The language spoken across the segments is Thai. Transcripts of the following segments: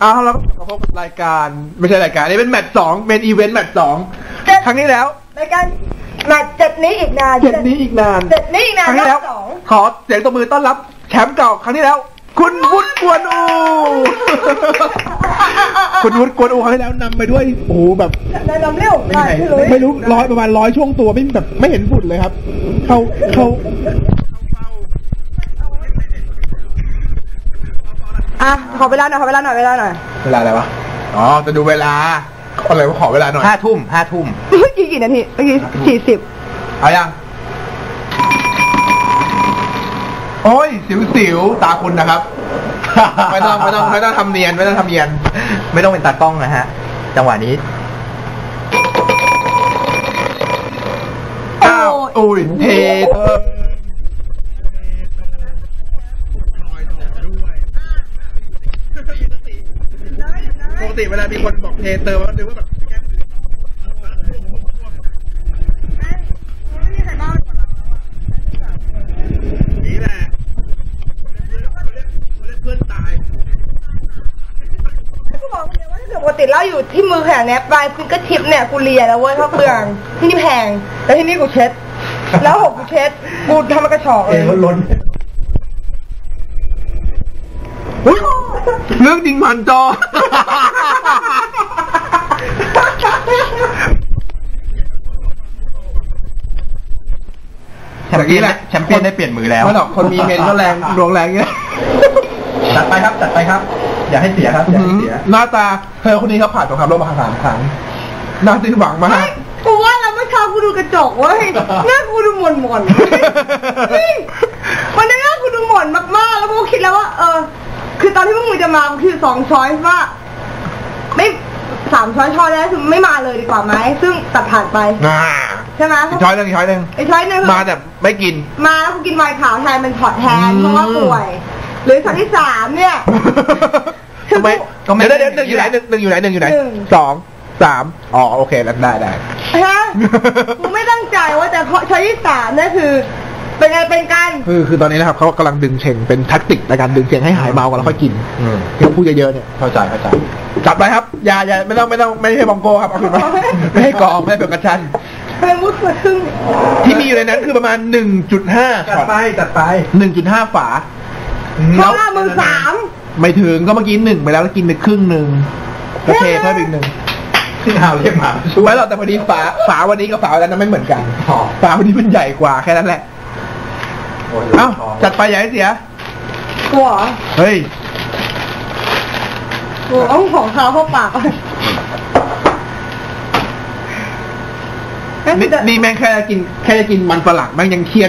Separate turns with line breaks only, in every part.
เอาแล้วพบกับรายการไม่ใช่รายการนี่เป็นแมตช์2เป็นอีเวนต์แมตช์2ครั้งนี้แล้ว
รายการแมตช์7นี้อีกนาน
7นี้อีกนาน
ครั้ง
นี้แล้วขอเสียงตบมือต้อนรับแชมป์เก่าครั้งที่แล้วคุณวุฒิกวนอูคุณวุฒิกวนอูครั้งที่แล้วนำไปด้วยโอ้โหแบบ
นำเร็ว
ไม่รู้ประมาณ100ช่วงตัวไม่แบบไม่เห็นฝุ่นเลยครับเขา
ขอเวลาหน่อยเวลาอะไร
วะอ๋อจะดูเวลาอะไรว่าขอเวลาหน่อย
5 ทุ่ม
เมื่อกี้กี่นาทีเมื่อกี้40
เอายังโอ้ยสิวตาคุณนะครับไม่ต้องทำเนียนไม่ต้อง
เป็นตากล้องนะฮะจังหวะนี้
อุ้ยเทปกติเวลามีคนบอกเทเตอร์มันนึกว่าแบบนี่แหละเพื่อนตาย
กูบอกเลยว่าถ้าเกิดปกติเราอยู่ที่มือแข็งเนี่ยปลายฟิงเกอร์ทิปเนี่ยกูเลียแล้วเว้ยเพราะเปลืองที่นี่แพงแล้วที่นี่กูเช็ดแล้วกูเช็ดกูทำมันกระชอกเลย
ล้นเรื่องจริงผ่านจอ
แชมเปี้ยนได้เปลี่ยนมือแล้ว
ไม่หรอกคนมีเมนก็แรงดวงแรงเงี้ย
จัดไปครับอย่าให้เสียครับ
หน้าตาเธอคนนี้เขาผ่านสงครามโลกมา3 ครั้งน่าสิ้นหวังมาก
กูว่าเราเมื่อเช้ากูดูกระจกเว้ยหน้ากูดูหม่นวันนี้หน้ากูดูหม่นมากๆแล้วกูคิดแล้วว่าคือตอนที่พวกมึงจะมาคือ2 ช้อยว่าไม่3 ช้อยแล้วคือไม่มาเลยดีกว่าไหมซึ่งตัดผ่านไปใช่ไหม
ช้อยหนึ่งมาแต่ไม่กิน
มาแล้วกูกินไวน์ขาวแทนเป็นพอร์ตแทนเพราะว่าป่วยหรือช้อยที่3เนี่ย
ทำไมเดี๋ยว1อยู่ไหน1อยู่ไหน2 3อ๋อโอเคแล้วได้
ฮะกูไม่ตั้งใจว่าแต่ช้อยที่3เนี่ยคือเป็นไงเป็นกัน
คือตอนนี้นะครับเขากำลังดึงเชงเป็นแท็กติกในการดึงเชงให้หายเมากันแล้วค่อยกินที่พูดเยอะๆเนี่ย
เข้าใจ
จับไปครับอย่าไม่ให้บองโก้ครับเอาคืนมาไม่ให้กองไม่ให้เป็นกระชัน
เป็นมุดกระทึ่ง
ที่มีอยู่ในนั้นคือประมาณ 1.5
จัดไป
1.5 ฝา
เขาละมึง3
ไม่ถึงก็เมื่อกี้1ไปแล้วกินไปครึ่งนึงก็เทเพิ่มอีก1
ที่เอาเรียกมา
ช่วยเราแต่พอดีฝาวันนี้กับฝาวันนั้นไม่เหมือนกันฝาวันนี้มันใหญ่กว่าแค่นั้นแหละเอ้าจัดไปอย่าให้เสีย
กลัว
เฮ้ย
กูเอาของเขาเข้าปาก
นี่แม่งแค่จะกินมันฝรั่งแม่งยังเคียน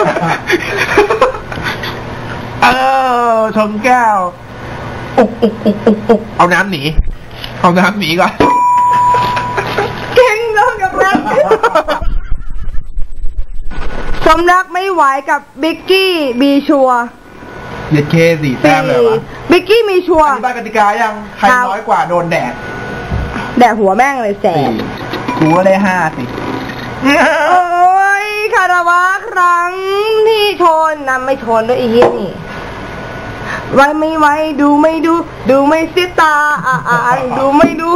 ชนแก้วอุกเอาน้ำหนีก่อน
เก่งแล้วกับนั้นสมรักไม่ไหวกับบิ๊กกี้บีชัว
เย็ดเค4 แต้มเลยวะ
บิ๊กกี้มีชัว
อธิบายกติกายังใครน้อยกว่าโดนแดด
หัวแม่งเลยแสบ
กูก็ได้5สิ
โอ้ยคาราวะครั้งที่ชนนำไม่ชนด้วยอีกนี่ไว้ไม่ไว้ดูไม่เสียตาดูไม่ดู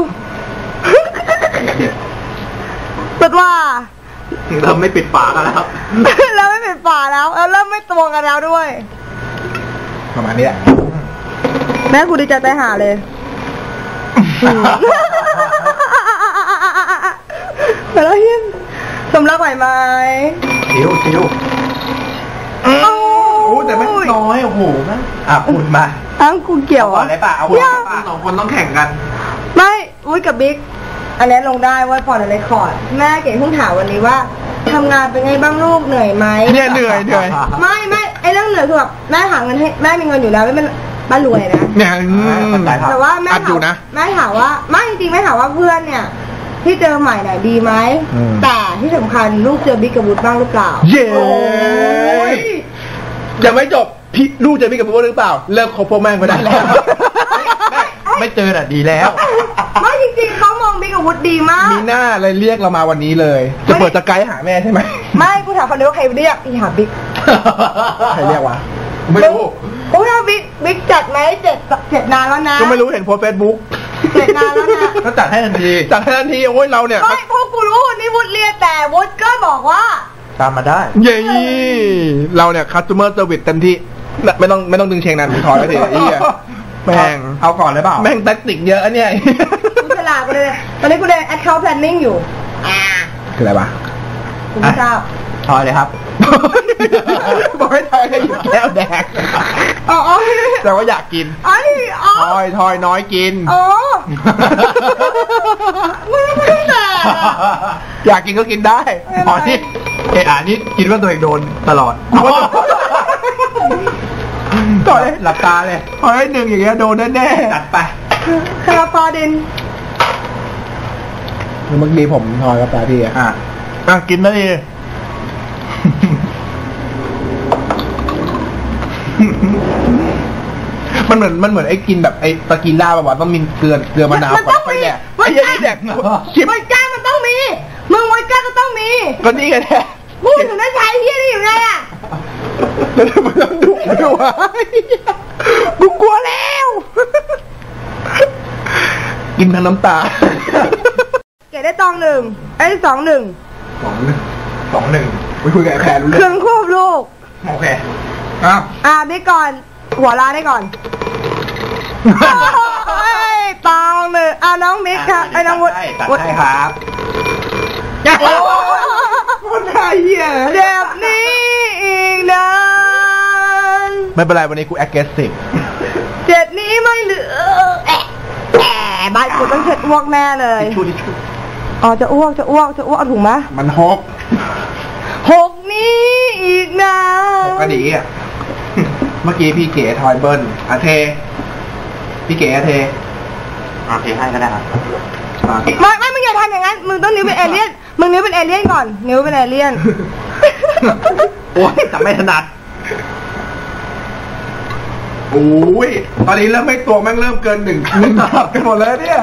สุดว่า
ถึงเราไม่ปิดฝากันแล้วครับ
เราไม่ปิดฝาแล้วเริ่มไม่ตวงกันแล้วด้วย
ประมาณนี้แหละ
แม่กูดีใจไปหาเลยแต่แล้วเฮียสมรักไหวไหม
ชิวโอ้แต่ไม่น้อยโอ้โหนะ
พูดมา
กูเกี่ยว
อะไรป่ะเอา
2 คนต้องแข่งกัน
ไม่อุ้ยกับบิ๊กอันนี้ลงได้ว่าพอในเรคคอร์ดแม่เก่งเพิ่งถามวันนี้ว่าทำงานเป็นไงบ้างลูกเหนื่อยไหม
เนี่ยเหนื่อย
ไม่ไอเรื่องเหนื่อยคือแบบแม่หาเงินให้แม่มีเงินอยู่แล้วไม่เป็นบ้านรวยนะ
เนี่ย
แต่ว่าแม่ถามว่าไม่จริงๆแม่ถามว่าเพื่อนเนี่ยที่เจอใหม่เนี่ยดีไหมแต่ที่สำคัญลูกเจอบิ๊กกับวุฒิบ้างหรือเปล่า
เย้ยังไม่จบพี่ลูกเจอบิ๊กกับวุฒิหรือเปล่าเลิกคบพวกแม่งไปได้แล้ว
ไม่เจอน่ะดีแล้ว
ไม่จริงๆเขามองบิ๊กกับวุฒิดีมาก
มีหน้าเลยเรียกเรามาวันนี้เลยจะเปิดจะไกด์หาแม่ใช่ไหม
ไม่กูถามคนนี้ว่าใครเรียกอีหาบิ๊ก
ใครเรียกวะไม่รู้
พวกเราบิ๊กจัดไหมเจ็ดนานแล้วนะ
ก็ไม่รู้เห็นโพสเฟซบุ๊ก
เจ็ดนานแล้วนะ
ก็จัดให้ทันที
จัดให้ทันทีโอ้ยเราเนี่ย
ไม่พวกกูรู้นี่วุฒิเรียนแต่วุฒิก็บอกว่า
ตามมาได้
เย้เราเนี่ยคัส t เ m อร์เซอร์วิสเต็มที่ไม่ต้องดึงเชงนั้นถอยไปทีไอ้เหี้ยแม่ง
เอาก่อนเลยเปล่า
แม่งแทคติกเยอะอันเนี่ย
กูฉลาดไปเลยตอนนี้กูเรียน account planning อยู่
คืออะไรวะ
กูไม่ทราบ
ทอยเลยครับ
บอกให้ทอยให้หยิบแก้วแดก
อ๋อ
แต่ว่าอยากกิน
อ๋อ
ทอยน้อยกิน
อ๋อไม่ได้แต่
อยากกินก็กินได้
อ๋อนี่นี่คิดว่าตัวเองโดนตลอด
ต่อย
หลับตาเลย
ทอยให้หนึ่งอย่างเงี้ยโดนแน่
จัดไป
คาราฟาดิน
ๆเมื่อกี้ผมทอยกับตาพี่อ่ะ
กินได้ดี
มันเหมือนไอ้กินแบบไอ้ตะกีล่าแบบว่าต้องมีเกลือมะนาว
มันต้องมี
แดกไอ้ยัยแดกชิบ
ไวก้ามันต้องมีมึงไวก้าก็ต้องมี
ก็นี่ไงแท้
มึงถึงได้ใช้เฮียนี่อยู่ไงอ่ะ
แล้วทำไมต้องดุด้วยวะกูกลัวแล้ว กินทั้งน้ำตา
เกดได้ตองหนึ่งไอ้สองหนึ่ง
2-1
คุยกับไอ้แพรรู้
เค
เรื่
รื่
อ
อง งควบลูก
โอเค
บิ๊กก่อนหัวลาได้ก่อนตองหนึ่งน้องบิ๊กครับไอ้น้องวุฒิ
จัดให้ครับ
โอ้คนไทยเหี้ย
เจ็บนี้อีกนาน
ไม่เป็นไรวันนี้กู aggressive
เจ็ดนี้ไม่เหลือบ้านกูต้องเช็ดอ้วกแน่เลย
ทิชชู่
อ๋อจะอ้วกเอาถุงมะ
มันฮก
หกนี้อีกนาน
ฮกกระดีอ่ะ เมื่อกี้พี่เก๋ทอยเบิ้ลเท พี่เก๋เท
โอเคให้ก็ได้ครับ
ไม่มึงอย่าทำอย่างนั้นมึงต้องนิ้วเป็นเอเลี่ยนมึงนิ้วเป็นเอเลี่ยนก่อนนิ้วเป็นเอเลี่ยน
โอ้ยแต่ไม่ถนัด
โอ้ยตอนนี้เริ่มไม่ตัวแม่งเริ่มเกินหนึ่งตับกันหมดแล้วเนี่ย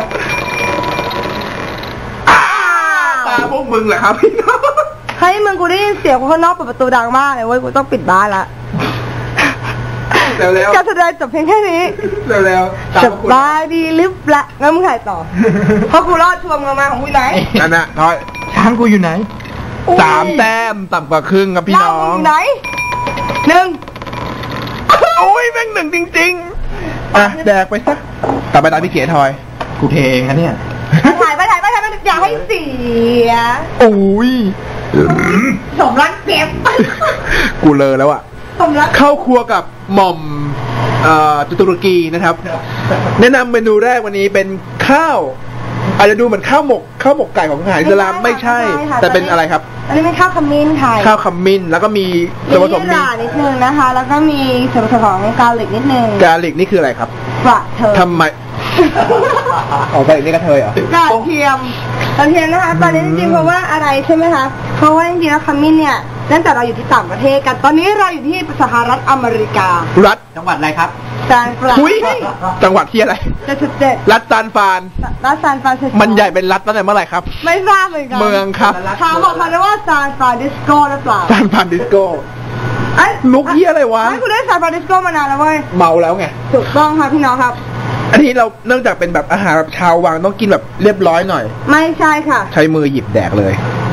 ตาพวกมึงแหละครับพี่น้อง
เฮ้ยมึงกูได้ยินเสียงคนข้างนอกเปิดประตูดังมากเลยเว้ยกูต้องปิดบ้านละ
เร็ว
การแสดงจบเพียงแค่นี้
ๆเร็วๆ
สบายดีหรือเปล่างั้นมึงถ่ายต่อ เพราะกูรอดทวงเงินมาของกูไหน
นั่นน่ะทอย
ช้างกูอยู่ไหน
3 แต้มต่ำกว่าครึ่งครับพี่น้อ
เรา
ง
อยู่ไหนหนึ่ง
โอ้ยแม่งหนึ่งจริงๆอ่ะแดกไปซะต่อไปตามพี่เก๋ทอย
กูเทเองนะเนี่ย
ถ่ายไปอย่าให้เสีย
โอ้ย
สมรักเจ็บ
กูเลอแล้วอ่ะ
สมรัก
เข้าครัวกับหม่อมตุรกีนะครับ แนะนำเมนูแรกวันนี้เป็นข้าวอาจจะดูเหมือนข้าวหมกไก่ของทหารอิสลามไม่ใช่ แต่เป็นอะไรครับ
อันนี้เป็นข้าวขมิ้นไทย
ข้าวขมิ้นแล้วก็มีส่วนผสม
มีรานิดนึงนะคะ แล้วก็มีส่วนผสมของกาลิกนิดนึง
กาลิกนี่คืออะไรครับ
กระเทย
ทำไมอ๋อกาลิกนี่กระเทยเหรอ
กระเทียมนะคะตอนนี้จริงๆเพราะว่าอะไรใช่ไหมคะเพราะว่าจริงๆแล้วขมิ้นเนี่ยตั้งแต่เราอยู่ที่ต่างประเทศกันตอนนี้เราอยู่ที่สหรัฐอเมริการัฐ
จังหวัดอะไรครับ
ซานฟราน
คุยจังหวัดที่อะไร
77
รัฐซานฟราน
รัฐซานฟรานซิสโก
มันใหญ่เป็นรัฐตั้งแต่เมื่อไหร่ครับ
ไม่ทราบเหมือนกัน
เมืองครับ
ถามบอกเขาได้ว่าซานฟรานซิสโกหรือเปล่า
ซานฟรานซิสโก
เอ้ย
ลุกเหี้ยอะไรวะ
ไม่คุณได้ซานฟรานซิสโกมานานแล้วเว้ย
เมาแล้วไง
ถูกต้องค่ะพี่น้องครับ
อันนี้เราเนื่องจากเป็นแบบอาหารแบบชาววังต้องกินแบบเรียบร้อยหน่อย
ไม่ใช่ค่ะ
ใช้มือหยิบแดกเลย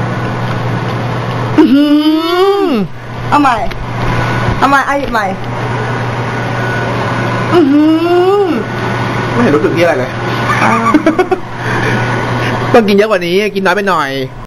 เอาใหม่เอาหยิบใหม่
ไม่เห็นรู้สึกที่อะไรเลย ต้องกินเยอะกว่านี้กินน้อยไปหน่อย